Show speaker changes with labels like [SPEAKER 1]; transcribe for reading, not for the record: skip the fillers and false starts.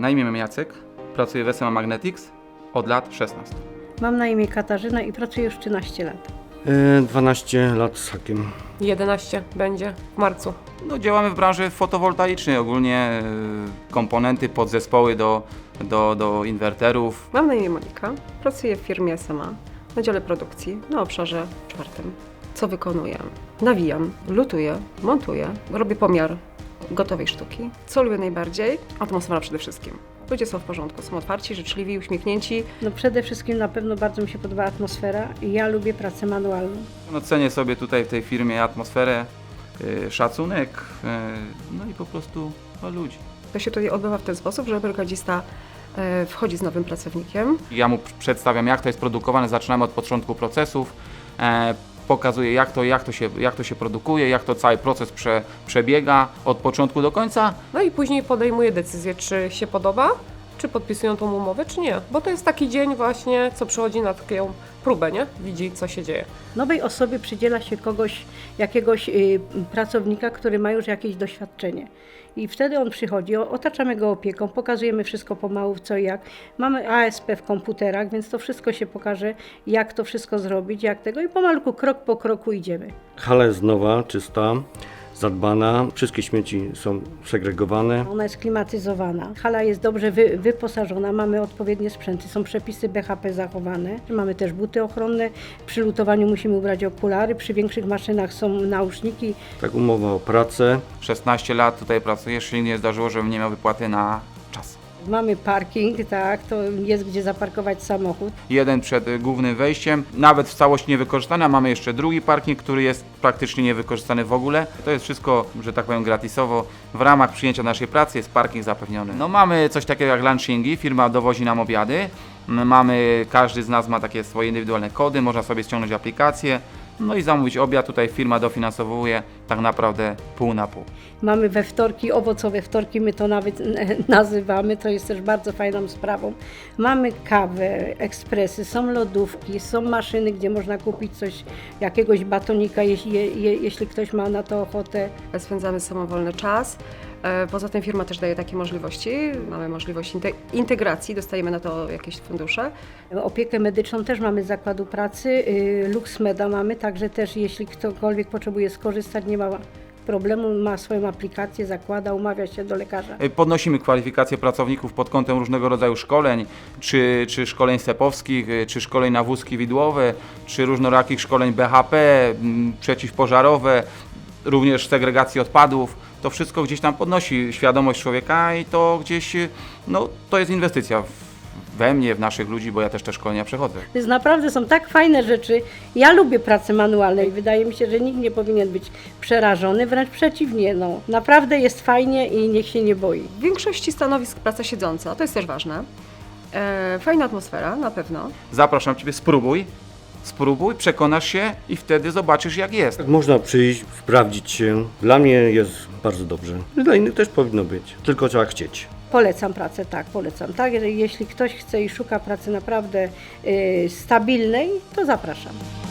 [SPEAKER 1] Na imię mam Jacek, pracuję w SMA Magnetics od lat 16.
[SPEAKER 2] Mam na imię Katarzyna i pracuję już 13 lat.
[SPEAKER 3] 12 lat z hakiem.
[SPEAKER 4] 11 będzie w marcu.
[SPEAKER 1] No, działamy w branży fotowoltaicznej, ogólnie komponenty, podzespoły do inwerterów.
[SPEAKER 4] Mam na imię Monika, pracuję w firmie SMA na dziale produkcji na obszarze 4. Co wykonuję? Nawijam, lutuję, montuję, robię pomiar gotowej sztuki. Co lubię najbardziej? Atmosfera przede wszystkim. Ludzie są w porządku, są otwarci, życzliwi, uśmiechnięci.
[SPEAKER 2] No przede wszystkim na pewno bardzo mi się podoba atmosfera i ja lubię pracę manualną.
[SPEAKER 1] No, cenię sobie tutaj w tej firmie atmosferę, szacunek, no i po prostu ludzi.
[SPEAKER 4] To się tutaj odbywa w ten sposób, że brygadzista wchodzi z nowym pracownikiem.
[SPEAKER 1] Ja mu przedstawiam, jak to jest produkowane, zaczynamy od początku procesów, pokazuję, jak to się produkuje, jak to cały proces przebiega od początku do końca.
[SPEAKER 4] No i później podejmuje decyzję, czy się podoba, czy podpisują tą umowę, czy nie. Bo to jest taki dzień właśnie, co przychodzi na taką próbę, nie? Widzi, co się dzieje.
[SPEAKER 2] Nowej osobie przydziela się jakiegoś pracownika, który ma już jakieś doświadczenie. I wtedy on przychodzi, otaczamy go opieką, pokazujemy wszystko pomału, co i jak. Mamy ASP w komputerach, więc to wszystko się pokaże, jak to wszystko zrobić, jak tego i pomalutku, krok po kroku idziemy.
[SPEAKER 3] Hala jest nowa, czysta, zadbana. Wszystkie śmieci są segregowane.
[SPEAKER 2] Ona jest klimatyzowana, hala jest dobrze wyposażona, mamy odpowiednie sprzęty, są przepisy BHP zachowane. Mamy też buty ochronne, przy lutowaniu musimy ubrać okulary, przy większych maszynach są nauszniki.
[SPEAKER 3] Tak, umowa o pracę.
[SPEAKER 1] 16 lat tutaj pracuję, jeszcze nigdy nie zdarzyło, żebym nie miał wypłaty na czas.
[SPEAKER 2] Mamy parking, tak, to jest gdzie zaparkować samochód.
[SPEAKER 1] Jeden przed głównym wejściem, nawet w całości niewykorzystany, a mamy jeszcze drugi parking, który jest praktycznie niewykorzystany w ogóle. To jest wszystko, że tak powiem, gratisowo. W ramach przyjęcia naszej pracy jest parking zapewniony. No, mamy coś takiego jak lunchingi, firma dowozi nam obiady. Każdy z nas ma takie swoje indywidualne kody, można sobie ściągnąć aplikację. No i zamówić obiad, tutaj firma dofinansowuje tak naprawdę pół na pół.
[SPEAKER 2] Mamy we wtorki, owocowe wtorki, my to nawet nazywamy, to jest też bardzo fajną sprawą. Mamy kawę, ekspresy, są lodówki, są maszyny, gdzie można kupić coś, jakiegoś batonika, jeśli ktoś ma na to ochotę.
[SPEAKER 4] Spędzamy samowolny czas. Poza tym firma też daje takie możliwości. Mamy możliwość integracji, dostajemy na to jakieś fundusze.
[SPEAKER 2] Opiekę medyczną też mamy z zakładu pracy, LuxMeda mamy, także też jeśli ktokolwiek potrzebuje skorzystać, nie ma problemu, ma swoją aplikację, zakłada, umawia się do lekarza.
[SPEAKER 1] Podnosimy kwalifikacje pracowników pod kątem różnego rodzaju szkoleń, czy szkoleń SEP-owskich, czy szkoleń na wózki widłowe, czy różnorakich szkoleń BHP, przeciwpożarowe, również segregacji odpadów. To wszystko gdzieś tam podnosi świadomość człowieka i to gdzieś, no to jest inwestycja we mnie, w naszych ludzi, bo ja też te szkolenia przechodzę.
[SPEAKER 2] Więc naprawdę są tak fajne rzeczy. Ja lubię pracę manualną i wydaje mi się, że nikt nie powinien być przerażony, wręcz przeciwnie. No, naprawdę jest fajnie i niech się nie boi.
[SPEAKER 4] W większości stanowisk praca siedząca, to jest też ważne. Fajna atmosfera, na pewno.
[SPEAKER 1] Zapraszam Ciebie, spróbuj, przekonasz się i wtedy zobaczysz, jak jest.
[SPEAKER 3] Tak, można przyjść, sprawdzić się. Dla mnie jest bardzo dobrze. Dla innych też powinno być, tylko trzeba chcieć.
[SPEAKER 2] Polecam pracę, tak, polecam. Tak, jeśli ktoś chce i szuka pracy naprawdę stabilnej, to zapraszam.